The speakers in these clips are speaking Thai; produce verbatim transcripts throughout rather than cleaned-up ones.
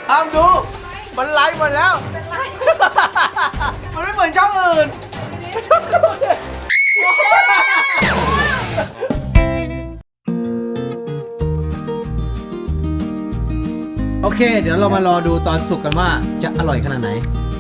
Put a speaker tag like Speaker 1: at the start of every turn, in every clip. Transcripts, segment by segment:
Speaker 1: ห้ามดูมันไลฟ์หมดแล้วมันไม่เหมือนช่องอื่นโอเคเดี๋ยวเรามารอดูตอนสุกกันว่าจะอร่อยขนาดไหน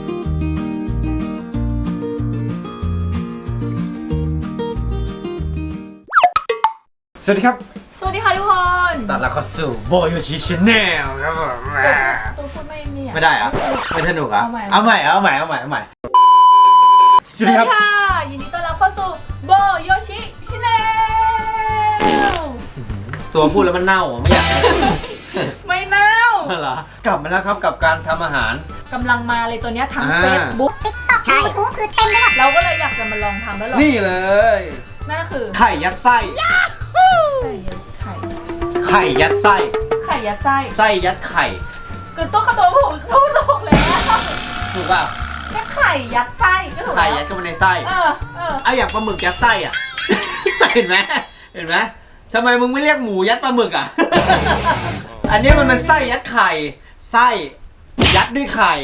Speaker 1: สวัสดีครับ
Speaker 2: สวัสดีค่ะทุกคน
Speaker 1: ตอนเราเข้าสู่โบโยชิชาแนลครับผม
Speaker 2: ตัวพูดไม่เนี่ย
Speaker 1: ไม่ได้อะไม่สนุกอะเอาใหม่เอาใหม่เอาใหม่เอาใหม่
Speaker 2: สวัสดีค่ะยินดีต้อนรับเข้าสู่โบโยชิชาแนล
Speaker 1: ตัวพูดแล้วมันเน่าไม่อยาก
Speaker 2: ไม่เน่า
Speaker 1: เหรอกลับมาแล้วครับกับการทำอาหาร
Speaker 2: กำลังมาเลยตัวเนี้ยทั้งเฟซบุ๊ก
Speaker 3: ติ๊กต็อกยูทูบคือเต็มไปหมด
Speaker 2: เราก็เลยอยากจะมาลองทำแล้วหรอ
Speaker 1: นี่เลย
Speaker 2: นั่นก็คือ
Speaker 1: ไข่ยัดไส้
Speaker 2: ไข่
Speaker 1: ไข่ยัดไส้
Speaker 2: ไข่ยัดไส้
Speaker 1: ไส้ยัดไข่
Speaker 2: คือตุ๊กกระตัวผมพูดถูกแล้ว
Speaker 1: ถูกเปล่า
Speaker 2: แค่ไข่ยัดไส้ก็ถูก
Speaker 1: ไข่ยัดเข้าไปในไส้
Speaker 2: เออเออ
Speaker 1: เอาอย่างปลาหมึกยัดไส้อ่ะเห็นไหมเห็นไหมทำไมมึงไม่เรียกหมูยัดปลาหมึกอ่ะอันนี้มันเป็นไส้ยัดไข่ไส้ยัดด้วยไข่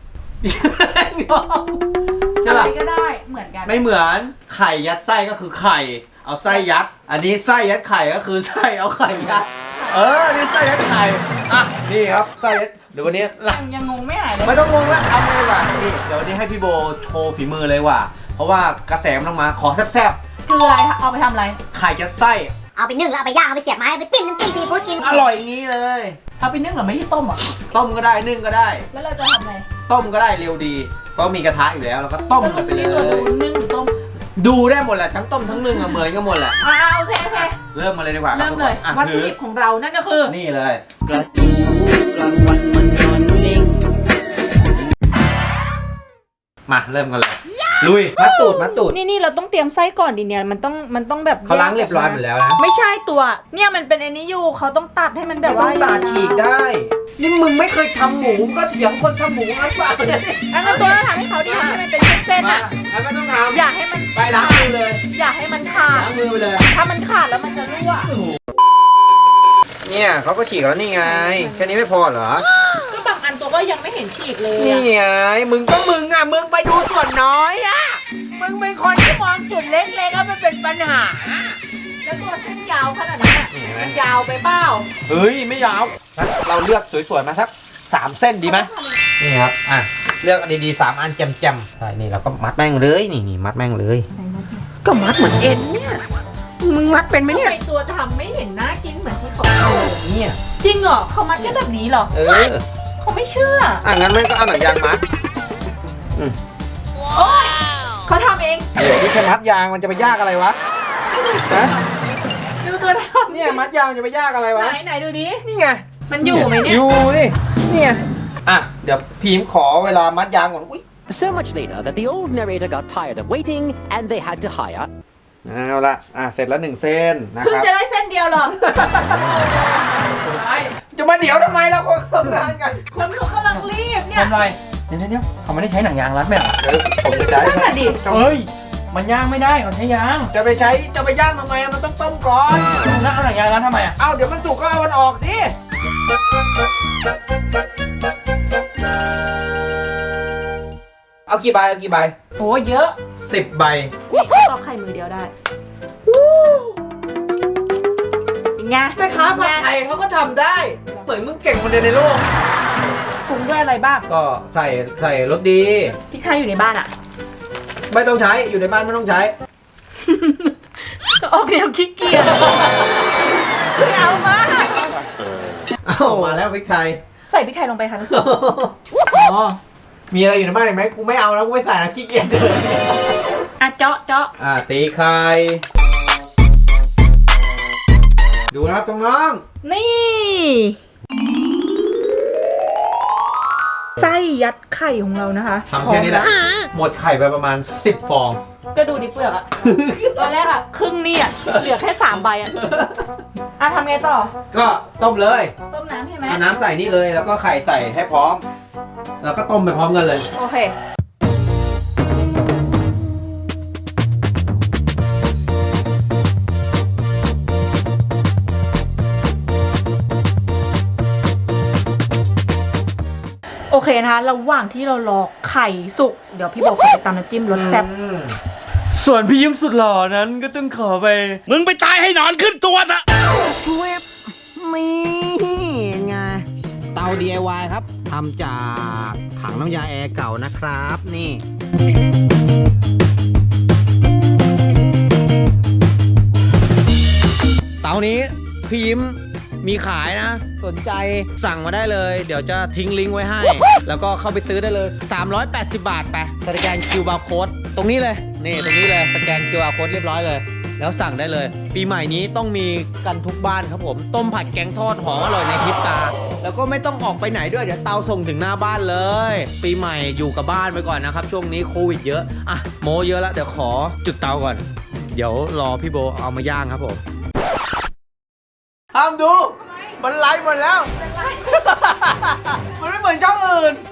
Speaker 1: ใช่ป่ะ
Speaker 2: ก็ได้เหมือนกัน
Speaker 1: ไม่เหมือนไข่ยัดไส้ก็คือไข่เอาไส้ยัดอันนี้ไส้ยัดไข่ก็คือไส้เอาไข่ยัดเออนี่ไส้ยัดไข่อ่ะนี่ครับไส้ยัดเดี๋ยววันนี้
Speaker 2: ยังยังงงไม่หายเลย
Speaker 1: ไม่ต้องงงละเอาเลยว่ะนี่เดี๋ยววันนี้ให้พี่โบโชว์ฝีมือเลยว่ะเพราะว่ากระแสมันต้องมาขอแซ่บ
Speaker 2: ๆคืออะไรเอาไปทำอะไร
Speaker 1: ไข่ยัดไส้
Speaker 3: เอาไปนึ่งแล้วเอาไปย่างเอาไปเสียบไม้ไปจิ้มน้ำจิ้มซีฟู้ดกิน
Speaker 1: อร่อยอย่างนี้เลย
Speaker 2: เอาไปนึ่งหรือไม่ที่ต้มอ่ะ
Speaker 1: ต้มก็ได้นึ่งก็ได้
Speaker 2: แล้วเราจะทำไง
Speaker 1: ต้มก็ได้เร็วดีเพราะมีกระทะอยู่แล้วแล้วก็ต้มกันไปเลย
Speaker 2: นึ่งหรือต้ม
Speaker 1: ดูได้หมดแหละทั้งต้มทั้งนึ่งอะเหมือนกันหมดแหละ
Speaker 2: อ่าโอเคโอเค
Speaker 1: เริ่มมาเลยดีกว่า
Speaker 2: เริ่มเลยวัตถุดิบของเรานั่นก็คือ
Speaker 1: นี่เลยกระตูกลางวันมันนอนนิ่งมาเริ่มกันเลยลุยมัดตูดมัดตูด
Speaker 2: นี่นี่เราต้องเตรียมไส้ก่อนดิเนี่ยมันต้องมันต้องแบบ
Speaker 1: เขาล้างเรียบร้อยหมดแล้วนะ
Speaker 2: ไม่ใช่ตัวเนี่ยมันเป็นไอ้นี้อยู่เขาต้องตัดให้มันแบบว่า
Speaker 1: ต้องตัดฉีกได้นี่มึงไม่เคยทำหมูก็เถียงคนทำหมูอันป่ะ
Speaker 2: อันนั้นตัวเราทำให้เขาดิให้มันเป็นเส้นๆอ่ะ
Speaker 1: อันไม่ต้องทำ
Speaker 2: อย่าให้มัน
Speaker 1: ไปล้างมือเลย
Speaker 2: อย่าให้มันขาด
Speaker 1: ล้างมือไปเลย
Speaker 2: ถ้ามันขาดแล้วมันจะรั่ว
Speaker 1: เนี่ยเขาก็ฉีกแล้วนี่ไงแค่นี้ไม่พอเหรอ
Speaker 2: ก็บางอันตัวก็ยังไม่เห็นฉีกเลย
Speaker 1: นี่ไงมึงก็มึงอ่ะมึงไปดูส่วนน้อยอ่ะมึงเป็นคนที่มองจุดเล็กๆแล้วมันเป็นปัญหา
Speaker 2: แล้วตัวเส้นยาวขนาดนั้นอ่ะมันยาวไปเปล่า
Speaker 1: เฮ้ยไม่ยาวเราเลือกสวยๆมาสักสามเส้นดีไหมนี่ครับอ่ะเลือกดีๆสามอันแจ่มๆใช่นี่เราก็มัดแม่งเลยนี่นี่มัดแม่งเลยก็มัดเหมือนเอ็นเนี่ยมึงมัดเป็นไหมเนี่ย
Speaker 2: ตัวทำไม่เห็นน่ากินเหมือนที่เขา
Speaker 1: เนี่ย
Speaker 2: จริงเหรอเขามัดแค่แบบนี้เหรอ
Speaker 1: เออ
Speaker 2: เขาไม่เชื่อ
Speaker 1: อ่ะงั้นไม่ก็เอาหนังยางมัด
Speaker 2: โอ๊ยเขาทำเอง
Speaker 1: เดี๋ยวนี่แค่มัดยางมันจะไปยากอะไรวะนะ
Speaker 2: ดูตัวทำ
Speaker 1: เนี่ยมัดยางจะไปยากอะไรวะ
Speaker 2: ไหนไหนดูดิ
Speaker 1: นี่ไง
Speaker 2: มันอยู่ไหมเนี่ย
Speaker 1: อยู่ดิเนี่ยอ่ะเดี๋ยวพีมขอเวลามัดยางก่อนอุ้ย
Speaker 4: So much later that the old narrator got tired of waiting and they had to hire
Speaker 1: เอาละอ่ะเสร็จแล้วหนึ่งเส้นนะครับ
Speaker 2: เพิ่งจะได้เส้นเดียวหรอ
Speaker 1: จะมาเดี๋ยวทำไมเราคนทำงานกัน
Speaker 2: คนเขากำลังรีบเนี่ย
Speaker 5: ทำไรเดี๋ยวเดี๋ยวเขาไม่ได้ใช้หนังยางรัดไหมอ่ะ
Speaker 1: เออผมจะใช้
Speaker 2: นั่นแหละดิ
Speaker 5: เฮ้ยมันย่างไม่ได้เขาใช้ยาง
Speaker 1: จะไปใช้จะไปย่างทำไมมันต้องต้มก่อน
Speaker 5: แล้วเอาหนังยางรัดทำไมอ่ะ
Speaker 1: เอาเดี๋ยวมันสุกก็เอามันออกดิเอากี่ใบเอากี่ใบ
Speaker 2: โอ้เยอะ
Speaker 1: สิบใบ
Speaker 2: ตอกไข่มือเดียวได้เป็นไง
Speaker 1: แม่ค้าผัดไทยเขาก็ทำได้เหมือนมึงเก่งคนเดียวในโลก
Speaker 2: ปรุงด้วยอะไรบ้าง
Speaker 1: ก็ใส่ใส่รสดี
Speaker 2: พริกไทยอยู่ในบ้านอ่ะ
Speaker 1: ไม่ต้องใช้อยู่ในบ้านไม่ต้องใช้
Speaker 2: โอเคเอาขี้เกียจไม่เอามา
Speaker 1: เอามาแล้วพริกไทย
Speaker 2: ใส่พริกไทยลงไปค่ะอ๋อ
Speaker 1: มีอะไรอยู่ในบ้านอีกไหมกูไม่เอาแล้วกูไม่ใส่แล้วขี้เกียจเลย
Speaker 2: อ่ะเจาะเจาะ
Speaker 1: อ่ะตีไข่ดูนะครับตรงน้อง
Speaker 2: นี่ไส้ยัดไข่ของเรานะคะ
Speaker 1: ทำแค่นี้แหละหมดไข่ไปประมาณสิบฟอง
Speaker 2: ก็ดูดิเปลือกอะตอนแรกอะครึ่งนี่อะเหลือแค่สามใบอะอ่ะทำไงต่อ
Speaker 1: ก็ต้มเลย
Speaker 2: ต้มน้ำใช่ไหม
Speaker 1: เอาน้ำใส่นี่เลยแล้วก็ไข่ใส่ให้พร้อมแล้วก็ต้มไปพร้อมกันเลย
Speaker 2: โอเคโอเคนะคะระหว่างที่เรารอไข่สุกเดี๋ยวพี่บอกขอไปตำน้ำจิ้มรสแซ่บ
Speaker 5: ส่วนพี่ยิ้มสุดหล่อนั้นก็ต้องขอไป
Speaker 1: มึงไปตายให้นอนขึ้นตัวซะช่วยนี่ไงเตา ดี ไอ วาย ครับทำจากถังน้ำยาแอร์เก่านะครับนี่เตานี้พี่ยิ้มมีขายนะสนใจสั่งมาได้เลยเดี๋ยวจะทิ้งลิงก์ไว้ให้ แล้วก็เข้าไปซื้อได้เลยสามร้อยแปดสิบบาทไปสแกน คิว อาร์ Code ตรงนี้เลยนี่ตรงนี้เลยสแกน คิว อาร์ Code เรียบร้อยเลยแล้วสั่งได้เลยปีใหม่นี้ต้องมีกันทุกบ้านครับผมต้มผัดแกงทอดหอมอร่อยในพริบตาแล้วก็ไม่ต้องออกไปไหนด้วยเดี๋ยวเตาส่งถึงหน้าบ้านเลยปีใหม่อยู่กับบ้านไปก่อนนะครับช่วงนี้โควิดเยอะอ่ะโมเยอะแล้วเดี๋ยวขอจุดเตาก่อนเดี๋ยวรอพี่โบเอามาย่างครับผมห้ามดู มันไลฟ์หมดแล้ว มันไม่เหมือนช่องอื่น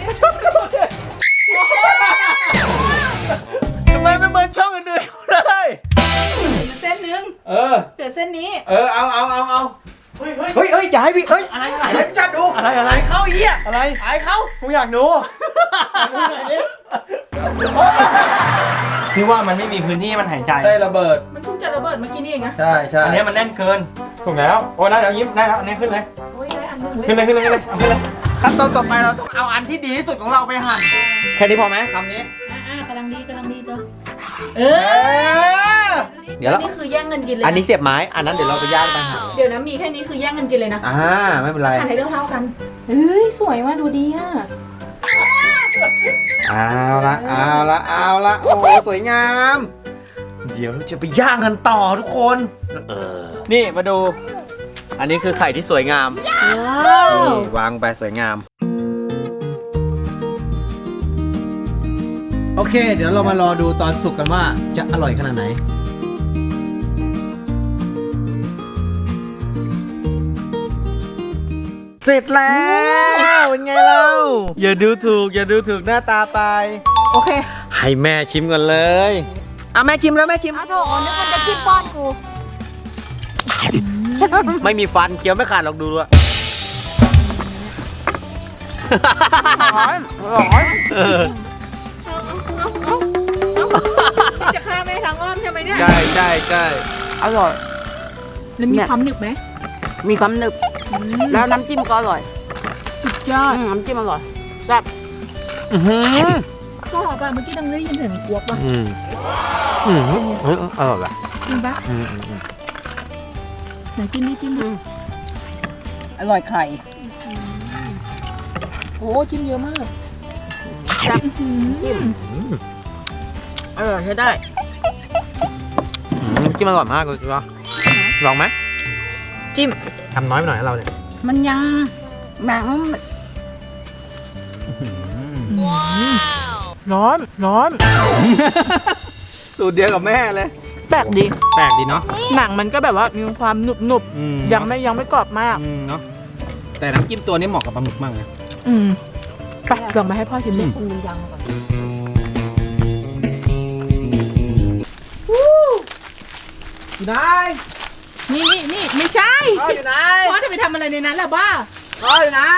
Speaker 1: ทำไมไม่เหมือนช่องอื่นๆเลย
Speaker 2: เส้นนึง
Speaker 1: เออ
Speaker 2: เหลือเส้นนี้
Speaker 1: เออ เอาเอาเอาเอาเฮ้ยเฮ้ยเฮ้ยอย่าให้พี่เฮ้ย อะไรอะไรให้พี่จัดดู
Speaker 5: อะไรอะไร
Speaker 1: ไอ้เข้าไอ้เหี้ย
Speaker 5: อะไร
Speaker 1: ไอ้เข้า
Speaker 5: ผมอยากดูพี่ว่ามันไม่มีพื้นที่ให้มันหายใจ
Speaker 1: ใช่ระเบิด
Speaker 2: มันเพิ่งจะระเบิดเมื่อกี้นี่เองนะ
Speaker 1: ใช่ใช่
Speaker 5: อันนี้มันแน่นเกิน ถูกแล้ว โอ้ได้แล้วยิ้มได้แล้วอันนี้ขึ้นเลย
Speaker 2: โอ้ยได้อันหนึง
Speaker 5: ขึ้นเลยขึ้นเลยขึ้นเลยเอาขึ้นเลย
Speaker 1: ขั้นตอนต่อไปเราต้องเอาอันที่ดีที่สุดของเราไปหั่น แค่นี้พอไหมคำนี้
Speaker 2: อ่ากำลังดีกำลังดีจ้ะเอ
Speaker 1: เอ
Speaker 2: อ
Speaker 1: อ เดี๋ยวเรา
Speaker 2: อันนี้คือแย่งเงินกินเลยนะ
Speaker 1: อันนี้เสียบไม้ อันนั้นเดี๋ยวเราไปย่างไปหั่น
Speaker 2: เดี๋ยวนะมีแค่นี้คือแย่งเงินกินเลยนะ
Speaker 1: อ่า ไม่เป็นไร
Speaker 2: หั่นให้เท่าๆกันเฮ้ยสวยว่ะดูดีอ่ะ
Speaker 1: เอาละเอาละเอาละโอ้โหสวยงาม เดี๋ยวเราจะไปย่างกันต่อทุกคนเออนี่มาดู อันนี้คือไข่ที่สวยงาม
Speaker 2: ว้าว
Speaker 1: นี่วางไปสวยงาม โอเค เดี๋ยวเรามารอดูตอนสุกกันว่าจะอร่อยขนาดไหน เสร็จแล้วเป็นไงเล่าอย่าดูถูก อย่าดูถูกหน้าตาไป
Speaker 2: โอเค
Speaker 1: ให้แม่ชิมก่อนเลยอ่ะแม่ชิมแล้วแม่ชิม
Speaker 3: เอาโถนึกมันจะกินป้อนกู
Speaker 1: ไม่มีฟันเคี้ยวไม่ขาดหรอกดูด้วย
Speaker 2: ร้อนร้อน
Speaker 1: เออ
Speaker 2: จะฆ่าแม่ทั้งอ้อมใช่ไหมเนี่ย
Speaker 1: ใช่ใช่ใช่
Speaker 6: อร่อย
Speaker 2: แล้วมีความหนึบไหม
Speaker 6: มีความหนึบ แล้วน้ำจิ้มก็อร่อย
Speaker 2: สุดยอด
Speaker 6: อืมน้ำจิ้มอร่อยแซ่บ
Speaker 1: อื้อหือ
Speaker 2: ก็หอมป่ะเมื่อกี้ดังได้ยินเสียงกวบป่ะ
Speaker 1: อืมอืมเฮ้ยอร่อยว่ะ
Speaker 2: จริงปะ
Speaker 1: อืมอืมอืม
Speaker 2: ไหนจิ้มดิจิ้มดิ
Speaker 6: อร่อยไข่
Speaker 2: โอ้จิ้มเยอะมาก
Speaker 6: แซ่บ
Speaker 2: จิ้ม
Speaker 6: อร่อยใช้ได้
Speaker 1: อืมจิ้มอร่อยมากเลยจ้ะลองไหม
Speaker 2: จิ้ม
Speaker 1: ทำน้อยไปหน่อยให้เราเนี่ย
Speaker 6: มันยังหนัง
Speaker 2: ร้อนร้อน
Speaker 1: สูตรเดียวกับแม่เลย
Speaker 2: แปลกดี
Speaker 1: แปลกดีเนาะ
Speaker 2: หนังมันก็แบบว่ามีความหนุบหนุบ
Speaker 1: อืม
Speaker 2: ๆยังไม่ยังไม่กรอบมาก
Speaker 1: อืมเนาะแต่น้ำจิ้มตัวนี้เหมาะกับปลาหมึกมากเลย
Speaker 2: อืมไปลองมาให้พ่อชิมดิ
Speaker 6: อืมยังก่อน
Speaker 1: อยู่ไหน
Speaker 2: นี่นี่นี่ไม่ใช่
Speaker 1: พ่ออยู่ไหน
Speaker 2: พ่อจะไปทำอะไรในนั้นล่ะบ้า
Speaker 1: พ่ออยู่ไหน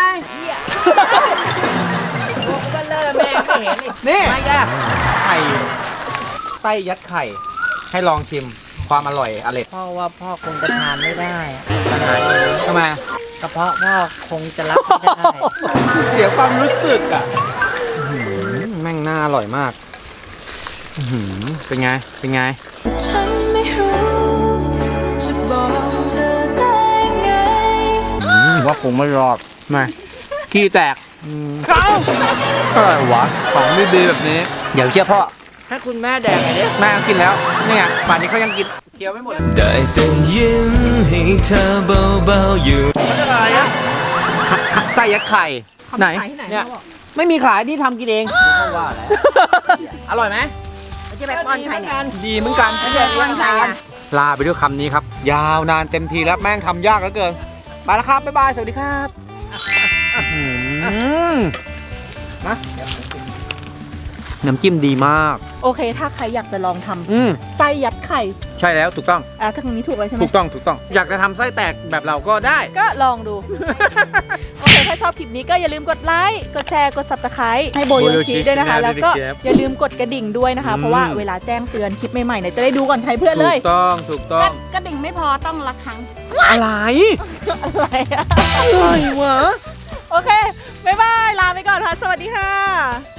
Speaker 6: ก็เลิกแม่ไม่เห็นอีก
Speaker 1: นี่ไข่ไส้ยัดไข่ ให้ลองชิมความอร่อยอร่อย
Speaker 6: พ่อว่าพ่อคงจะทานไม่ได้อะอาหารนี้
Speaker 1: ทำไม
Speaker 6: กระเพาะพ่อคงจะรับไม่ได้
Speaker 1: เสียความรู้สึกอ่ะอื้อหือแม่งน่าอร่อยมากอื้อหือเป็นไง เป็นไง
Speaker 7: ฉันไม่รู้จะบอกเธอได้ไง
Speaker 1: ว่าคงไม่รอดมาขี้แตกเขาอะไรวะ ของดีๆแบบนี้ เดี๋ยวเชื่อพ่อ
Speaker 6: ให้คุณแม่แดกไงเนี่ย
Speaker 1: แม่ก็กินแล้ว นี่ไงป่านนี้เขายังกินเคี้ยวไม่หมดเลย
Speaker 7: ได้แต่ยิ้มให้เธอเบาๆอยู่
Speaker 1: อะไรอ่ะไส้ยัดไข่ ไหน
Speaker 2: ขายที่ไหน
Speaker 1: เนี่ย
Speaker 2: พ่อบอก
Speaker 1: ไม่มีขายนี่ทำกินเองว่าแล้ว อร่อยไหม
Speaker 6: ไม่ใช่ไปป้อนใครเนี่ย
Speaker 1: ดีเหมือนกัน
Speaker 6: ไม่ใช่ป้อนใครอ่ะ
Speaker 1: ลาไปด้วยคำนี้ครับ ยาวนานเต็มทีแล้วแม่งทำยากเหลือเกิน ไปแล้วครับ บ๊ายบาย สวัสดีครับอืมมาน้ำจิ้มดีมาก
Speaker 2: โอเค ถ้าใครอยากจะลองทำ
Speaker 1: อืม
Speaker 2: ไส้ยัดไข่
Speaker 1: ใช่แล้วถูกต้อง
Speaker 2: อ่ะทางนี้ถูกเลยใช่ไหม
Speaker 1: ถูกต้องถูกต้อง อยากจะทำไส้แตกแบบเราก็ได้
Speaker 2: ก็ลองดู โอเค ถ้าชอบอบคลิปนี้ก็อย่าลืมกดไลค์กดแชร์กด ซับสไครบ์ ให้โบโยชิด้วยนะคะ แล้วก็อย่าลืมกดกระดิ่งด้วยนะคะ เพราะว่าเวลาแจ้งเตือนคลิปใหม่ๆเนี่ยจะได้ดูก่อนใครเพื่อนเลย
Speaker 1: ถูกต้องถูกต้อง
Speaker 6: กระดิ่งไม่พอต้องละครั้ง
Speaker 1: อะไร
Speaker 2: อะไรอะ
Speaker 1: อะไรวะ
Speaker 2: โอเค บ๊ายบาย ลาไปก่อนค่ะ สวัสดีค่ะ